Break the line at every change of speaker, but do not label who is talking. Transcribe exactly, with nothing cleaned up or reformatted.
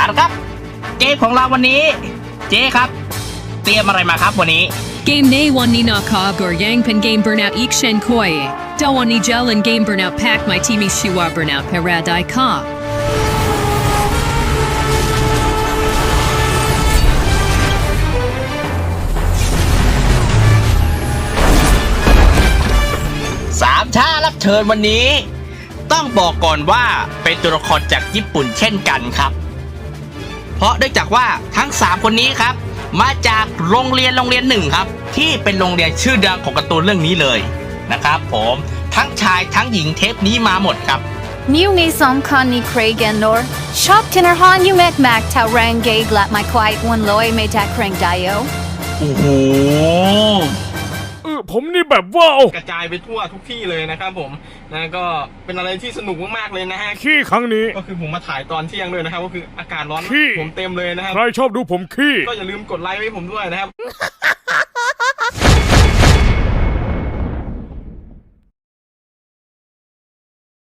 ละครับเกมของเราวันนี้เจ๊ครับเตรียมอะไรมาครับวันนี้
Game nay one ni na ka gor yang pen game burnout ik shen koi. Da one ni gel and game burnout pack my teamy shiwa burnout paradai ka.
สามชารับเชิญวันนี้ ต้องบอกก่อนว่าเป็นตัวละครจากญี่ปุ่นเช่นกันครับ เพราะเนื่องจากว่าทั้งสามคนนี้ครับมาจากโรงเรียนโรงเรียนหนึ่งครับที่เป็นโรงเรียนชื่อดังของการ์ตูนเรื่องนี้เลยนะครับผมทั้งชายทั้งหญิงเทปนี้มาหมดครับ
New ni som kan ni Craig and Nor. Shop tinner han you met Mac ta rang gay glat my quiet one loy me ta crank dio.
โอ้โห
เออผมนี่แบบว่าโอ้
กระจายไปทั่วทุกที่เลยนะครับผมนะก็เป็นอะไรที่สนุกมากๆเลยนะฮะ
ขี้ครั้งนี้
ก็คือผมมาถ่ายตอนเที่ยงด้วยนะครับก็คืออากาศร้อน
ขี้
ผมเต็มเลยนะครับ
ใครชอบดูผมขี้
ก็อย่าลืมกดไลค์ไว้ผมด้วยนะครับ